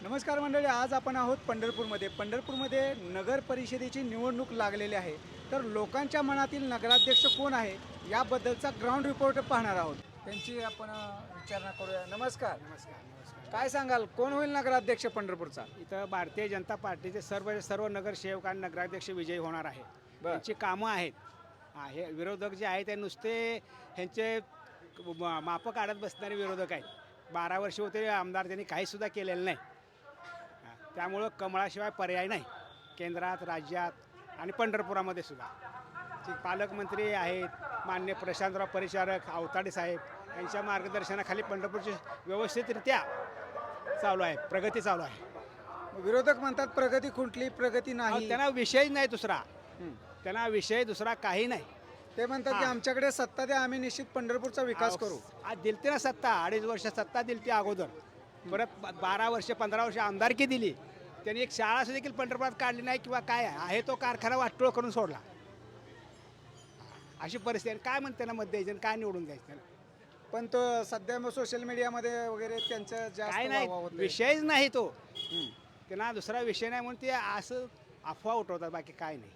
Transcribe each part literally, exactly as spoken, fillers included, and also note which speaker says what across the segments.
Speaker 1: नमस्कार मंडळी, आज आपण आहोत पंढरपूरमध्ये. पंढरपूरमध्ये नगर परिषदेची निवडणूक लागलेली आहे. तर लोकांच्या मनातील नगराध्यक्ष कोण आहे याबद्दलचा ग्राउंड रिपोर्ट पाहणार आहोत. त्यांची आपण विचारणा करूया. नमस्कार.
Speaker 2: नमस्कार नमस्कार.
Speaker 1: काय सांगाल, कोण होईल नगराध्यक्ष पंढरपूरचा?
Speaker 2: इथं भारतीय जनता पार्टीचे सर्व सर्व नगरसेवक आणि नगराध्यक्ष विजयी होणार आहे. त्यांची कामं आहेत. हा, हे विरोधक जे आहेत ते नुसते ह्यांचे मा- मापं काढत बसणारे विरोधक आहेत. बारा वर्ष होते आमदार, त्यांनी काहीसुद्धा केलेलं नाही. हा, त्यामुळं कमळाशिवाय पर्याय नाही केंद्रात, राज्यात आणि पंढरपुरामध्ये सुद्धा. जे पालकमंत्री आहेत मान्य प्रशांतराव परिचारक, अवताडे साहेब यांच्या मार्गदर्शनाखाली पंढरपूरची व्यवस्थितरित्या चालू आहे, प्रगती चालू आहे.
Speaker 1: विरोधक म्हणतात प्रगती खुंटली, प्रगती
Speaker 2: अहो,
Speaker 1: नाही.
Speaker 2: त्यांना विषय नाही दुसरा,
Speaker 1: हं.
Speaker 2: त्यांना विषय दुसरा काही नाही.
Speaker 1: ते म्हणतात की
Speaker 2: हा.
Speaker 1: आमच्याकडे सत्ता द्या, आम्ही निश्चित पंढरपूरचा विकास करू.
Speaker 2: आज दिलते ना सत्ता, अडीच वर्ष सत्ता दिलती अगोदर, परत ब- बारा वर्ष पंधरा वर्ष आमदारकी दिली. त्यांनी एक शाळा सुद्धा देखील पंढरपुरात काढली नाही किंवा काय आहे तो कारखाना वाटोळ करून सोडला. अशी परिस्थिती आहे. काय म्हणते ना मत द्यायचं आणि काय निवडून द्यायचं त्याला?
Speaker 1: पण तो सध्या मग सोशल मीडियामध्ये वगैरे त्यांचं जास्त
Speaker 2: काय
Speaker 1: वाह वाह
Speaker 2: नाही,
Speaker 1: होतंय.
Speaker 2: विषयच नाही तो.
Speaker 1: हं.
Speaker 2: त्यांना दुसरा विषय नाही म्हणून ते असं अफवा उठवतात, बाकी काय नाही.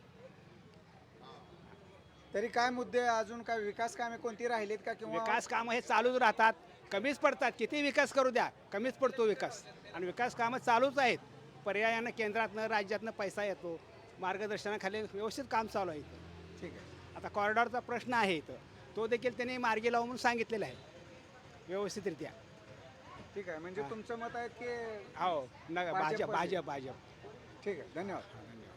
Speaker 1: तरी काय मुद्दे अजून काय विकास कामे कोणती राहिलीत का? किंवा
Speaker 2: विकास कामं हे चालूच राहतात, कमीच पडतात. किती विकास करू द्या, कमीच पडतो विकास. आणि विकास कामं चालूच आहेत. पर्यायानं केंद्रातनं राज्यातनं पैसा येतो, मार्गदर्शनाखाली व्यवस्थित काम चालू आहे इथं.
Speaker 1: ठीक आहे.
Speaker 2: आता कॉरिडॉरचा प्रश्न आहे इथं, तो देखील त्यांनी मार्गी लावून सांगितलेला आहे व्यवस्थितरित्या.
Speaker 1: ठीक आहे, म्हणजे तुमचं मत आहे की
Speaker 2: हो न
Speaker 1: भाजप
Speaker 2: भाजप
Speaker 1: पाहिजे.
Speaker 2: भाजप भाजप
Speaker 1: ठीक आहे. धन्यवाद.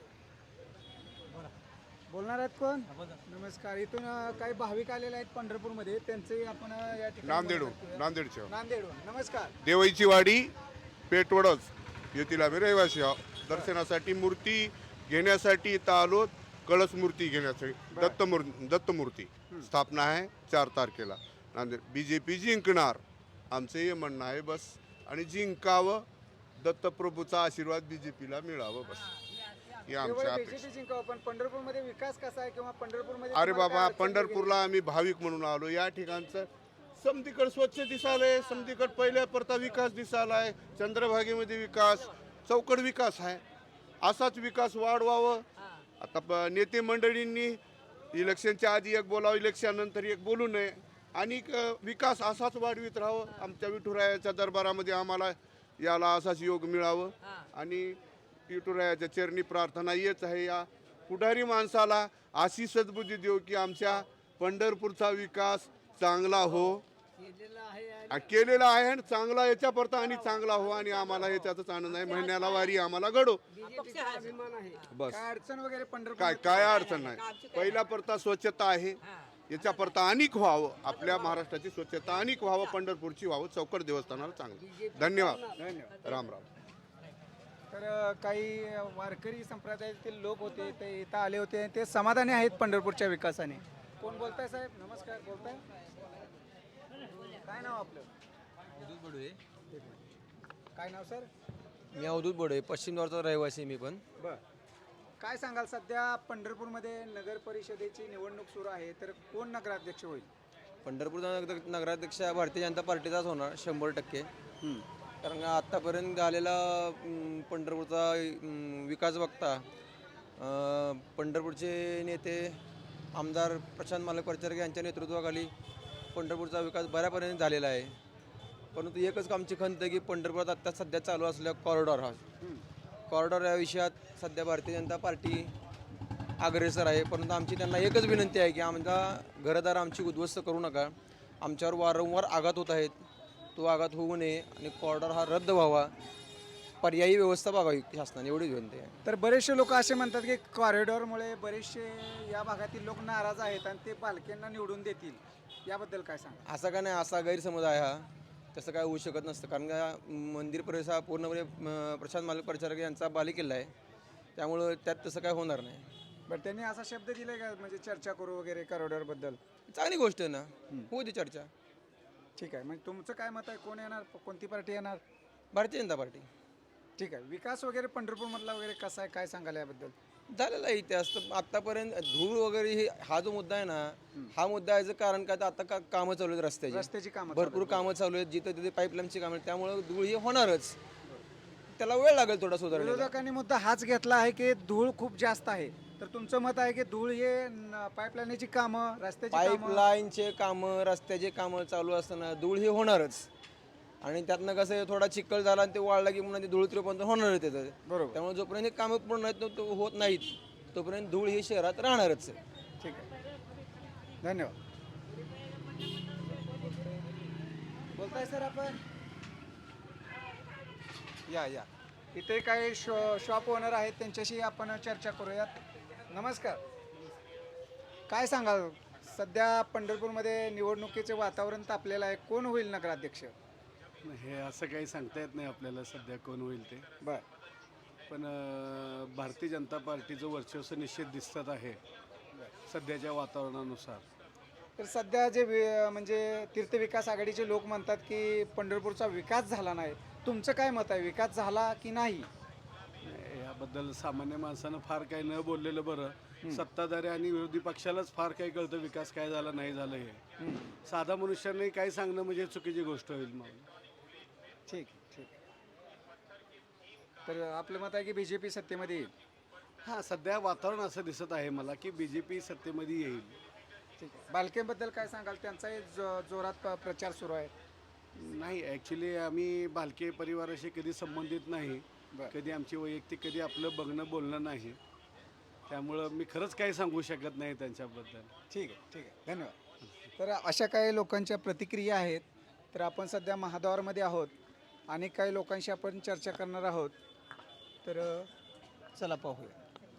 Speaker 1: बोलणार आहेत कोण? नमस्कार. इथून अ, काही भाविक आलेले आहेत पंढरपूरमध्ये, त्यांचे आपण अ, या ठिकाणी
Speaker 3: नांदेडहून
Speaker 1: मुलाखत घेऊया.
Speaker 3: नांदेडच्या
Speaker 1: नांदेडहून. नमस्कार.
Speaker 3: देवईची वाडी पेटवडच येथील आम्ही रहिवासी आहोत. दर्शनासाठी मूर्ती घेण्यासाठी इथं आलो. कळस मूर्ती घेण्यासाठी दत्त मूर्ती दत्त मूर्ती स्थापना आहे चार तारखेला नांदेड. बी जे पी जिंकणार आमचं हे म्हणणं आहे बस. आणि जिंकावं, दत्तप्रभूचा आशीर्वाद बी जे पीला मिळावं बस, ही आमच्या
Speaker 1: केवळ
Speaker 3: अपेक्षा.
Speaker 1: बीजेपी जिंकावं, पण पंढरपूरमध्ये विकास कसा आहे किंवा पंढरपूरमध्ये
Speaker 3: अरे
Speaker 1: तुम्हाला
Speaker 3: बाबा,
Speaker 1: काय अडचण
Speaker 3: पंढरपूरला आम्ही भाविक म्हणून आलो. या ठिकाणचं समधीकड स्वच्छ दिसालंय, समधीकड पहिल्या परता विकास दिसालाय, चंद्रभागेमध्ये विकास, चौकड विकास आहे. असाच विकास वाढवावं. आता प नेते मंडळींनी इलेक्शनच्या आधी एक बोलावं, इलेक्शन नंतर एक बोलू नये. आणि क- विकास असाच वाढवित राहावं. आमच्या विठुरायाच्या दरबारामध्ये आम्हाला याला असाच योग मिळावं. आणि विठुरायाच्या चरणी प्रार्थना येच आहे, या पुढारी माणसाला अशी सद्बुद्धी देऊ की आमच्या पंढरपूरचा विकास चांगला हो. आ, केलेला आहे आणि चांगला याच्या परता आणि चांगला हो. आणि आम्हाला याच्यातच आनंद आहे. महिन्याला वारी आम्हाला घडो बस.
Speaker 1: काय अडचण वगैरे पंढरपूर
Speaker 3: काय काय अडचण नाही. पहिला परता स्वच्छता आहे, याच्या परता अनेक व्हावं. आपल्या महाराष्ट्राची स्वच्छता अनेक व्हावं, पंढरपूरची व्हावं, चौकड देवस्थानाला चांगलं. धन्यवाद.
Speaker 1: धन्यवाद.
Speaker 3: राम राम.
Speaker 1: तर अ, काही वारकरी संप्रदायातील लोक होते, ते इथं आले होते, ते समाधानी आहेत पंढरपूरच्या विकासाने. कोण बोलताय साहेब? नमस्कार. बोलताय? काय नाव आपलं?
Speaker 4: अवधूत बडोळे.
Speaker 1: काय नाव सर?
Speaker 4: मी अवधूत बडोळे, पश्चिम द्वारचा रहिवासी आहे मी पण.
Speaker 1: बर. काय सांगाल, सध्या पंढरपूरमध्ये नगर परिषदेची निवडणूक सुरू आहे, तर कोण नगराध्यक्ष होईल?
Speaker 4: पंढरपूरचा नगर नगराध्यक्ष हा भारतीय जनता पार्टीचाच होणार शंभर टक्के. कारण का आत्तापर्यंत झालेला अं, पंढरपूरचा अं, विकास बघता अं, पंढरपूरचे नेते आमदार प्रशांत मालक परिचारक यांच्या नेतृत्वाखाली पंढरपूरचा विकास बऱ्यापर्यंत झालेला आहे. परंतु एकच आमची खंत आहे की पंढरपुरात आत्ता सध्या चालू असलेला कॉरिडॉर हा कॉरिडॉर या विषयात सध्या भारतीय जनता पार्टी अग्रेसर आहे. परंतु आमची त्यांना एकच विनंती आहे की आमचा घरदार आमची उद्ध्वस्त करू नका. आमच्यावर वारंवार आघात होत आहेत, तो आघात होऊ नये आणि कॉरिडॉर हा रद्द व्हावा, पर्यायी व्यवस्था बघावी शासनाने, एवढीच विनंती आहे.
Speaker 1: तर बरेचसे लोक असे म्हणतात की कॉरिडॉरमुळे बरेचसे या भागातील लोक नाराज आहेत आणि ते पालख्यांना निवडून देतील, याबद्दल काय सांगा?
Speaker 4: असा का नाही, असा गैरसमज आहे हा. तसं काय होऊ शकत नसतं. कारण का मंदिर परिसर हा पूर्णपणे अं, प्रशांत मालक परिचारक यांचा बालेकिल्ला आहे, त्यामुळं त्यात तसं काय होणार नाही.
Speaker 1: बरं, त्यांनी असा शब्द दिलाय का, म्हणजे चर्चा करू वगैरे कॉरिडॉरबद्दल?
Speaker 4: चांगली गोष्ट आहे ना, होऊ दे चर्चा.
Speaker 1: ठीक आहे. म्हणजे तुमचं काय मत आहे, कोण येणार, कोणती पार्टी येणार?
Speaker 4: भारतीय जनता पार्टी.
Speaker 1: ठीक आहे. विकास वगैरे पंढरपूरमधला वगैरे कसा आहे, काय सांगाल याबद्दल?
Speaker 4: झालेला आहे इतिहास. तर आत्तापर्यंत धूळ वगैरे हे हा जो मुद्दा आहे ना, हा मुद्दा याचं कारण काय, तर आता का कामं चालू आहेत रस्त्याची,
Speaker 1: रस्त्याची कामं
Speaker 4: भरपूर कामं चालू आहेत, जिथं तिथे पाईपलाईनची कामं आहेत, त्यामुळं धूळ ही होणारच. त्याला वेळ लागेल थोडा सुधारण्याला.
Speaker 1: विरोधकांनी मुद्दा हाच घेतला आहे की धूळ खूप जास्त आहे. तर तुमचं मत आहे की धूळ हे पाईपलाईनची कामं, रस्त्याची कामं,
Speaker 4: पाईपलाईनचे कामं, रस्त्याचे कामं चालू असताना धूळ ही होणारच. आणि त्यातनं कसं आहे, थोडा चिखल झाला आणि ते वाळला की पुन्हा ते धूळ पण होणार त्याचं.
Speaker 1: बरोबर.
Speaker 4: त्यामुळे जोपर्यंत हे कामं पूर्ण आहेत तो- तो होत नाहीत तोपर्यंत धूळ ही शहरात राहणारच आहे.
Speaker 1: ठीक आहे, धन्यवाद. बोलताय सर आपण? या या इथे काही शॉ शॉप ओनर आहेत, त्यांच्याशी आपण चर्चा करूयात. नमस्कार. काय सांगाल, सध्या पंढरपूरमध्ये निवडणुकीचे वातावरण तापलेलं आहे, कोण होईल नगराध्यक्ष?
Speaker 5: हे असं काही सांगता येत नाही आपल्याला सध्या कोण होईल ते.
Speaker 1: बर
Speaker 5: पण अं, भारतीय जनता पार्टीचं वर्चस्व निश्चित दिसत आहे सध्याच्या वातावरणानुसार.
Speaker 1: तर सध्या जे वि- म्हणजे तीर्थविकास आघाडीचे लोक म्हणतात की पंढरपूरचा विकास झाला नाही. तुमचं काय मत आहे, विकास झाला की नाही?
Speaker 5: याबद्दल सामान्य माणसानं फार काही न बोललेलं बरं. सत्ताधारी आणि विरोधी पक्षालाच फार काही कळतं विकास काय झाला नाही झालं हे. साधा मनुष्याने काही सांगणं म्हणजे चुकीची गोष्ट होईल. मग
Speaker 1: ठीक आहे, ठीक आहे. तर आपलं मत आहे की बी जे पी सत्तेमध्ये येईल.
Speaker 5: हां, सध्या वातावरण असं दिसत आहे मला की बी जे पी सत्तेमध्ये येईल.
Speaker 1: ठीक आहे. बालकेबद्दल काय सांगाल, त्यांचाही जो जोरात प- प्रचार सुरू आहे.
Speaker 5: नाही, ॲक्च्युली आम्ही भालके परिवाराशी कधी संबंधित नाही.
Speaker 1: बरं.
Speaker 5: कधी आमची वैयक्तिक कधी आपलं बघणं बोलणं नाही. त्यामुळं मी खरंच काही सांगू शकत नाही त्यांच्याबद्दल.
Speaker 1: ठीक आहे, ठीक आहे, धन्यवाद. तर अशा काही लोकांच्या प्रतिक्रिया आहेत. तर आपण सध्या महाद्वारमध्ये आहोत आणि काही लोकांशी आपण चर्चा करणार आहोत. तर चला पाहूया.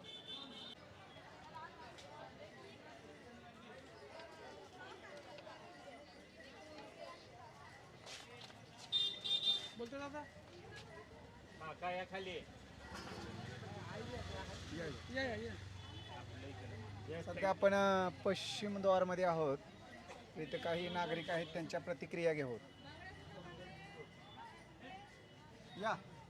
Speaker 2: बोलतो दादा
Speaker 1: सध्या आपण अ, पश्चिम द्वारमध्ये आहोत. इथे काही नागरिक आहेत, त्यांच्या प्रतिक्रिया घेऊ. या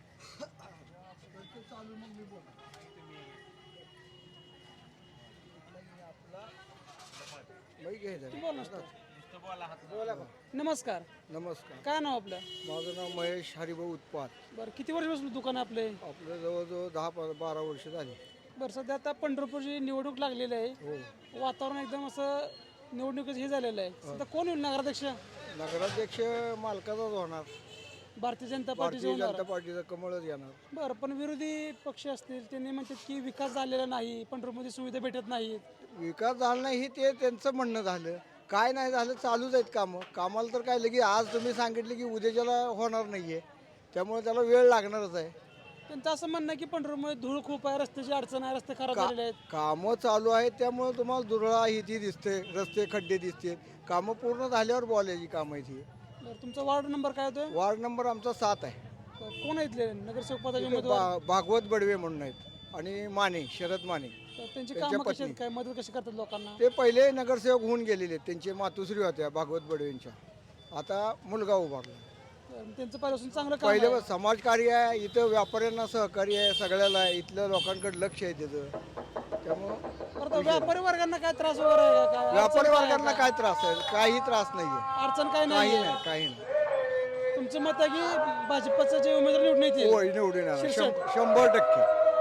Speaker 1: बोला बा.
Speaker 6: नमस्कार.
Speaker 7: नमस्कार.
Speaker 6: काय नाव आपलं?
Speaker 7: माझं नाव महेश हरिभाऊ उत्पात.
Speaker 6: बरं, किती वर्षापासून दुकान आहे आपले?
Speaker 7: आपलं जवळजवळ दहा प- बारा वर्ष झाली.
Speaker 6: बरं, सध्या आता पंढरपूरची निवडणूक लागलेली आहे.
Speaker 7: हो.
Speaker 6: वातावरण एकदम असं निवडणुकीचं हे झालेलं आहे. सध्या कोण होईल नगराध्यक्ष?
Speaker 7: नगराध्यक्ष मालकाचाच होणार.
Speaker 6: भारतीय जनता पार्टीचे
Speaker 7: भारतीय
Speaker 6: होणार.
Speaker 7: जनता पार्टीचं कमळच येणार.
Speaker 6: बरं, पण विरोधी पक्ष असतील त्यांनी म्हणतात की विकास झालेला नाही, पंढरपूरमध्ये सुविधा भेटत नाहीत.
Speaker 7: विकास झाला नाही हे ते त्यांचं म्हणणं झालं. काय नाही झालं, चालूच आहेत कामं. कामाला तर काय लगे आज तुम्ही सांगितले की उद्याच्याला होणार नाहीये, त्यामुळे त्याला वेळ लागणारच आहे.
Speaker 6: त्यांचं असं म्हणणं आहे की पंढरपूरमध्ये धूळ खूप आहे, रस्त्याची अडचण आहे, रस्ते खराब झालेले आहेत.
Speaker 7: कामं चालू आहेत त्यामुळे तुम्हाला दुरळा ही ती दिसते, रस्ते खड्डे दिसते. कामं पूर्ण झाल्यावर बोलायची कामं आहेत ही.
Speaker 6: बरं, तुमचा वार्ड नंबर काय होतोय?
Speaker 7: वार्ड नंबर आमचा सात आहे.
Speaker 6: बरं, कोण आहे इथले नगरसेवक पदाचे
Speaker 7: इथे
Speaker 6: उमेदवार?
Speaker 7: भा- भागवत बडवे म्हणून आहेत आणि माने शरद माने.
Speaker 6: तर त्यांची
Speaker 7: त्यांच्या
Speaker 6: कामं कशी
Speaker 7: पत्नी.
Speaker 6: आहेत, काय मदत कशी करतात लोकांना?
Speaker 7: ते पहिले नगरसेवक होऊन गेलेले आहेत. त्यांचे मातुश्री होत्या भागवत बडवेंच्या. आता मुलगा उभारला.
Speaker 6: तर त्यांचं पहिल्यापासून चांगलं काम
Speaker 7: पहिले
Speaker 6: आहे.
Speaker 7: समाजकार्य आहे, इथं व्यापाऱ्यांना सहकार्य आहे, सगळ्याला आहे. इथल्या लोकांकडे लक्ष आहे त्याचं. त्यामुळं
Speaker 6: बरं, तर व्यापारी वर्गांना काय त्रास वगैरे आहे का? काय
Speaker 7: व्यापारी
Speaker 6: अडचण काय
Speaker 7: वर्गांना
Speaker 6: आहे
Speaker 7: काय त्रास आहे? काही त्रास नाहीये.
Speaker 6: का? अडचण काय
Speaker 7: काही
Speaker 6: नाही
Speaker 7: नाही, काही नाही.
Speaker 6: तुमचं मत आहे की भाजपचं जे उमेदवार निवडून येतील?
Speaker 7: होय, निवडून येणार.
Speaker 6: शिरसाट.
Speaker 7: शं- शंभर टक्के.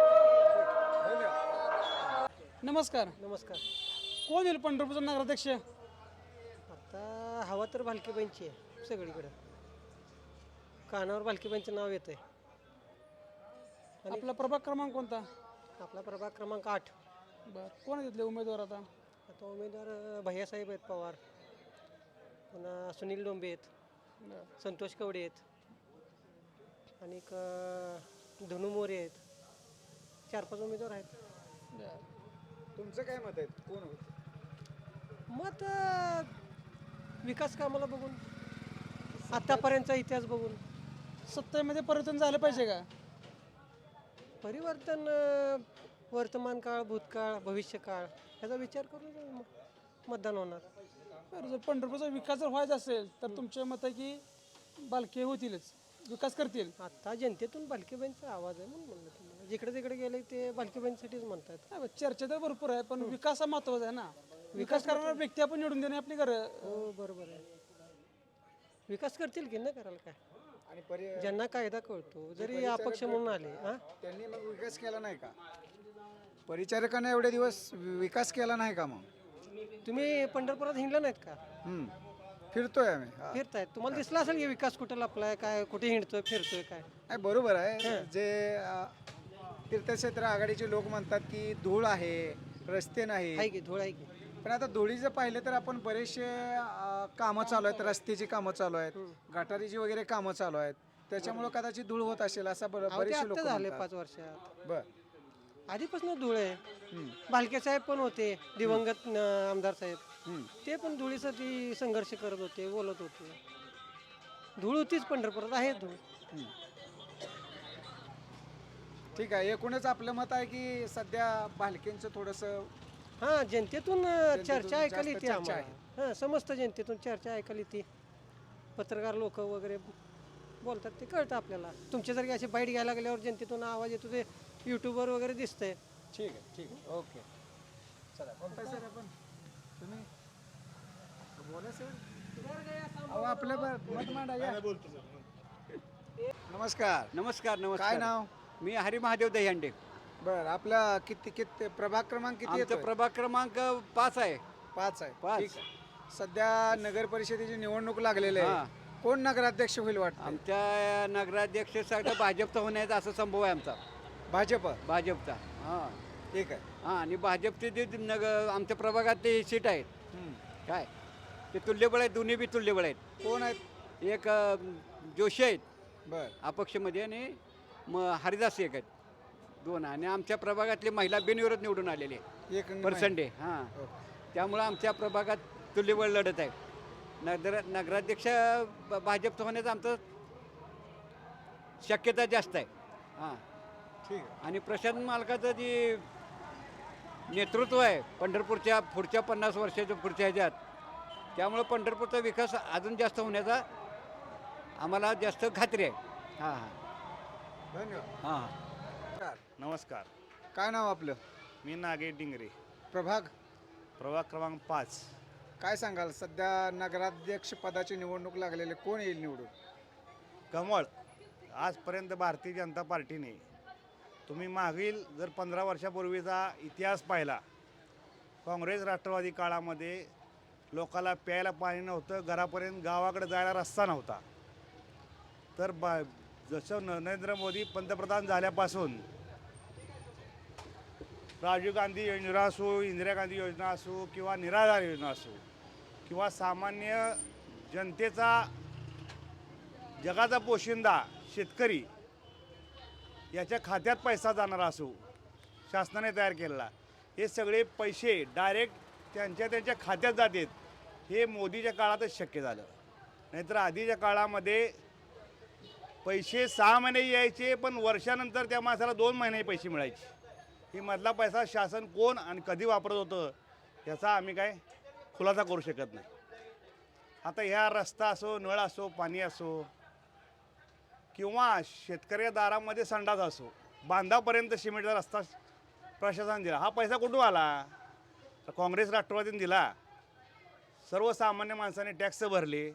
Speaker 6: नमस्कार.
Speaker 8: नमस्कार.
Speaker 6: कोण येईल पंढरपूरचा नगराध्यक्ष?
Speaker 8: आता हवा तर भालकीबाईंची आहे सगळीकडं. कानावर भालकीबाईंचं नाव येतं आहे.
Speaker 6: आपला प्रभाग क्रमांक कोणता?
Speaker 8: आपला प्रभाग क्रमांक आठ.
Speaker 6: बरं, कोण आहे तिथले उमेदवार आता?
Speaker 8: आता उमेदवार अं, भैयासाहेब आहेत पवार, पुन्हा सुनील डोंबे आहेत,
Speaker 6: बरं.
Speaker 8: संतोष कवडे आहेत, आणि एक, अं, धनु मोरे आहेत. चार पाच उमेदवार आहेत.
Speaker 6: बरं.
Speaker 1: तुमचं काय मत आहे, कोण होईल?
Speaker 8: मत अं, विकास कामाला बघून, आत्तापर्यंतचा इतिहास बघून.
Speaker 6: सत्तेमध्ये परिवर्तन झालं पाहिजे का?
Speaker 8: परिवर्तन अं, वर्तमान काळ, भूतकाळ, भविष्यकाळ ह्याचा विचार करून म- मतदान होणार.
Speaker 6: बरं, जर पंढरपूरचा विकास जर व्हायचा असेल तर तुमचे मत आहे की बालके होतीलच, विकास करतील.
Speaker 8: आता जनतेतून भालकीबाईंचा आवाज आहे म्हणून म्हणलं तुम्हाला. जिकडे तिकडे गेले ते भालकीबाईंसाठीच म्हणतात.
Speaker 6: नाही बा, चर्चा तर भरपूर आहे पण विकास हा महत्वाचा आहे ना. विकास करणारा व्यक्ती आपण निवडून देणे आपली गरज.
Speaker 8: हो, बरोबर आहे. विकास करतील की न करायला काय.
Speaker 1: आणि परि
Speaker 8: ज्यांना कायदा कळतो जरी अपक्ष म्हणून आले हां
Speaker 1: त्यांनी मग विकास केला नाही का? परिचारकांना एवढे दिवस विकास केला नाही का मग?
Speaker 8: तुम्ही पंढरपुरात हिंडला नाहीत का?
Speaker 1: हम्म. फिरतोय आम्ही हा.
Speaker 8: फिरतायत तुम्हाला दिसला असेल की विकास कुठं लपलाय काय कुठे हिंडतोय फिरतोय काय
Speaker 1: नाही बरोबर आहे. जे अ, तीर्थक्षेत्र आघाडीचे लोक म्हणतात की धूळ आहे, रस्ते नाही.
Speaker 8: आहे की धूळ आहे की
Speaker 1: पण आता धुळीचं पाहिलं तर आपण बरेचसे अ, कामं चालू आहेत, रस्त्याची कामं चालू आहेत, गटारीची वगैरे कामं चालू आहेत. त्याच्यामुळे कदाचित धूळ होत असेल असं बरं
Speaker 8: अहो, ते
Speaker 1: बरेचसे लोक
Speaker 8: आत्ता झाले
Speaker 1: म्हणतात.
Speaker 8: पाच वर्षात
Speaker 1: बर
Speaker 8: आधीपासून धूळ आहे भालके साहेब पण होते दिवंगत न, आमदार साहेब ते पण धुळीसाठी संघर्ष करत होते बोलत होते धूळ होतीच पंढरपुरात आहे धूळ
Speaker 1: ठीक आहे. एकूणच आपलं मत आहे की सध्या भालकेंचं थोडंसं
Speaker 8: हा जनतेतून अ, चर्चा ऐकायला
Speaker 1: जास्त
Speaker 8: येते
Speaker 1: चर्चा
Speaker 8: आम्हाला हां समस्त जनतेतून चर्चा ऐकायला येते पत्रकार लोक वगैरे बोलतात ते कळतं आपल्याला तुमच्यासारखी अशी बाईट घ्यायला लागल्यावर जनतेतून आवाज येतो ते यूट्यूबवर वगैरे दिसतंय
Speaker 1: ठीक आहे ठीक आहे ओके चला बोलताय सर आपण तुम्ही बोला सर अहो आपलं ब- मत मांडा या. नमस्कार
Speaker 9: नमस्कार नमस्कार
Speaker 1: काय नाव?
Speaker 9: मी हरी महादेव दह्यांडे.
Speaker 1: बर आपला किती किती प्रभाग क्रमांक किती
Speaker 9: आमचा
Speaker 1: येतोय?
Speaker 9: प्रभाग क्रमांक पाच आहे.
Speaker 1: पाच आहे
Speaker 9: पाच.
Speaker 1: ठीक आहे. सध्या नगर परिषदेची निवडणूक लागलेली
Speaker 9: हा.
Speaker 1: आहे. कोण नगराध्यक्ष होईल वाटतं?
Speaker 9: आमच्या नगराध्यक्षासाठी भाजपचा होण्याचा असा संभव आहे आमचा.
Speaker 1: भाजप.
Speaker 9: भाजपचा हां
Speaker 1: ठीक आहे.
Speaker 9: हां आणि भाजपचे जे नग आमच्या प्रभागात ते सीट आहेत
Speaker 1: हम्म.
Speaker 9: काय ते तुल्यबळ आहेत, दोन्ही बी तुल्यबळ आहेत.
Speaker 1: कोण आहेत?
Speaker 9: एक अ, जोशी आहेत
Speaker 1: बर
Speaker 9: अपक्षमध्ये आणि म हरिदास एक आहेत दोन आणि आमच्या प्रभागातले महिला बिनविरोध निवडून आलेले
Speaker 1: एक
Speaker 9: पर्सेंटे हां त्यामुळं आमच्या प्रभागात तुल्यबळ लढत आहे. नगर नगराध्यक्ष ब- भाजपचं होण्याचं आमचं शक्यता जास्त आहे हां
Speaker 1: ठीक आहे.
Speaker 9: आणि प्रशांत मालकाचं जे नेतृत्व आहे पंढरपूरच्या पुढच्या पन्नास वर्षाच्या पुढच्या ह्याच्यात त्यामुळं पंढरपूरचा विकास अजून जास्त होण्याचा आम्हाला जास्त खात्री आहे हां हां
Speaker 1: धन्यवाद.
Speaker 9: हां हां
Speaker 10: नमस्कार
Speaker 1: काय नाव आपलं?
Speaker 10: मी नागे डिंगरे
Speaker 1: प्रभाग.
Speaker 10: प्रभाग क्रमांक पाच.
Speaker 1: काय सांगाल सध्या नगराध्यक्ष पदाची निवडणूक लागलेली आहे. कोण येईल निवडून?
Speaker 10: कमळ. आजपर्यंत भारतीय जनता पार्टीने तुम्ही मागील जर पंधरा वर्षापूर्वीचा इतिहास पाहिला काँग्रेस राष्ट्रवादी काळामध्ये लोकाला प्यायला पाणी नव्हतं, घरापर्यंत गावाकडे जायला रस्ता नव्हता. तर बा जसं नरेंद्र मोदी पंतप्रधान झाल्यापासून राजीव गांधी योजना असो, इंदिरा गांधी योजना असो किंवा निराधार योजना असो किंवा सामान्य जनतेचा जगाचा पोशिंदा शेतकरी याच्या खात्यात पैसा जाणारा असो शासनाने तयार केलेला हे सगळे पैसे डायरेक्ट त्यांच्या त्यांच्या खात्यात जातात हे मोदीच्या काळातच शक्य झालं. नाहीतर आधीच्या काळामध्ये पैसे सहा महिने यायचे पण वर्षानंतर त्या माणसाला दोन महिने पैसे मिळायचे. ही मधला पैसा शासन कोण आणि कधी वापरत होतं याचा आम्ही काय खुलासा करू शकत नाही. आता ह्या रस्ता असो, नळ असो, पाणी असो किंवा शेतकऱ्या दारामध्ये संडास असो, बांधापर्यंत सिमेंटचा रस्ता प्रशासन दिला. हा पैसा कुठून आला? तर काँग्रेस राष्ट्रवादीने दिला. सर्वसामान्य माणसाने टॅक्स भरले.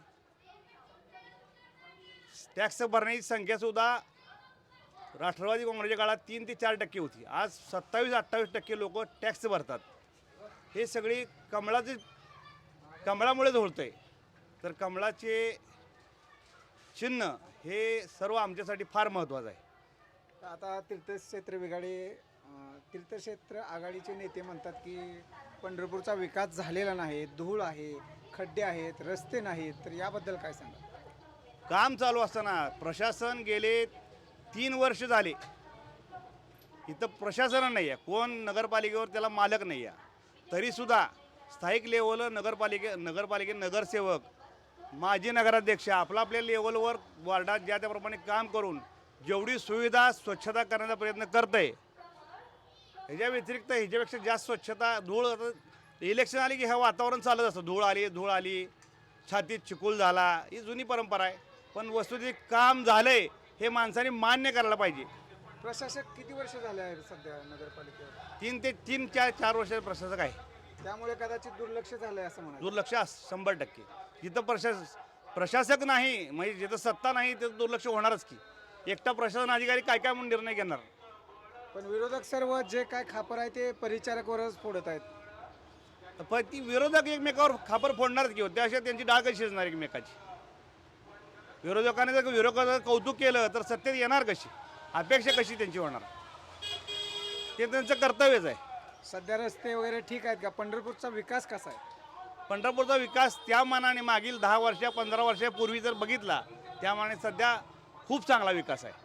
Speaker 10: टॅक्स भरण्याची संख्यासुद्धा राष्ट्रवादी काँग्रेसच्या काळात तीन ते चार टक्के होती. आज सत्तावीस अठ्ठावीस टक्के लोक टॅक्स भरतात. हे सगळी कमळाचे कमळामुळेच होतं आहे. तर कमळाचे चिन्ह हे सर्व आमच्यासाठी फार महत्त्वाचं आहे.
Speaker 1: आता तीर्थक्षेत्र विघाडी अं, तीर्थक्षेत्र आघाडीचे नेते म्हणतात की पंढरपूरचा विकास झालेला नाही, धूळ आहे, खड्डे आहेत, रस्ते नाहीत. तर याबद्दल काय सांगा?
Speaker 10: काम चालू असताना प्रशासन गेले तीन वर्ष झाले इथं प्रशासन नाही आहे. कोण नगरपालिकेवर त्याला मालक नाही आहे. तरीसुद्धा स्थायिक लेवल नगरपालिके नगरपालिके नगरसेवक माजी नगराध्यक्ष आपला आपल्या लेवलवर वार्डात ज्या त्याप्रमाणे काम करून जेवढी सुविधा स्वच्छता करण्याचा प्रयत्न करत आहे ह्याच्या व्यतिरिक्त ह्याच्यापेक्षा जास्त स्वच्छता धूळ इलेक्शन आली की हे वातावरण चालत असतं. धूळ आली धूळ आली छातीत चिखल झाला ही जुनी परंपरा आहे. पण वस्तुस्थिती काम झालंय हे माणसाने मान्य करायला पाहिजे.
Speaker 1: प्रशासक किती वर्ष झाले आहेत सध्या नगरपालिकेवर?
Speaker 10: तीन ते तीन चार चार वर्षाचे प्रशासक आहे.
Speaker 1: त्यामुळे कदाचित दुर्लक्ष झालंय असं म्हणा.
Speaker 10: दुर्लक्ष अस- शंभर टक्के जिथं प्रशास प्रशासक नाही म्हणजे जिथं सत्ता नाही तिथं दुर्लक्ष होणारच की. एकटा प्रशासन अधिकारी काय काय म्हणून निर्णय घेणार.
Speaker 1: पण विरोधक सर्व जे काय खापर आहे ते परिचारकवरच फोडत आहेत.
Speaker 10: पण ती विरोधक एकमेकावर खापर फोडणारच की. त्याशिवाय त्यांची डाळ कशी शिजणार एकमेकाची. विरोधकाने जर विरोधकाचं कौतुक केलं तर सत्तेत येणार कशी, अपेक्षा कशी त्यांची होणार. ते त्यांचं कर्तव्यच आहे.
Speaker 1: सध्या रस्ते वगैरे ठीक आहेत का? पंढरपूरचा विकास कसा आहे?
Speaker 10: पंढरपूरचा विकास त्या मानाने मागील दहा वर्षा पंधरा वर्षापूर्वी जर बघितला त्या मानाने सध्या खूप चांगला विकास आहे.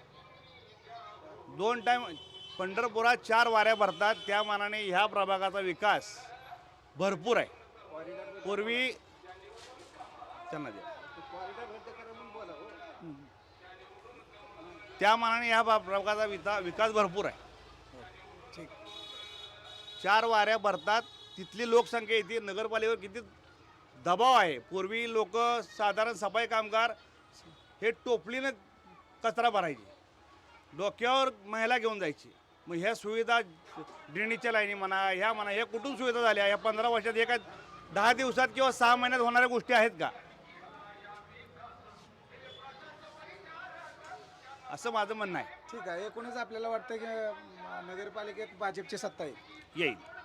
Speaker 10: दोन टाईम पंढरपुरात चार वाऱ्या भरतात त्या मानाने ह्या प्रभागाचा विकास भरपूर आहे. पूर्वी त्यांना द्या. त्या मानाने ह्या प्रभागाचा विता विकास भरपूर आहे.
Speaker 1: ठीक.
Speaker 10: चार वाऱ्या भरतात. तिथली लोकसंख्या येते. नगरपालिकेवर किती दबाव आहे. पूर्वी लोक साधारण सफाई कामगार हे टोपलीनं कचरा भरायचे, डोक्यावर महिला घेऊन जायची. मग ह्या सुविधा ड्रेनेजच्या लाईनी म्हणा ह्या म्हणा ह्या कुठून सुविधा झाल्या या पंधरा वर्षात? एका दहा दिवसात किंवा सहा महिन्यात होणाऱ्या गोष्टी आहेत का? असं माझं म्हणणं आहे.
Speaker 1: ठीक आहे. एकूणच आपल्याला वाटतं की अं, नगरपालिकेत भाजपची सत्ता येईल.
Speaker 10: येईल.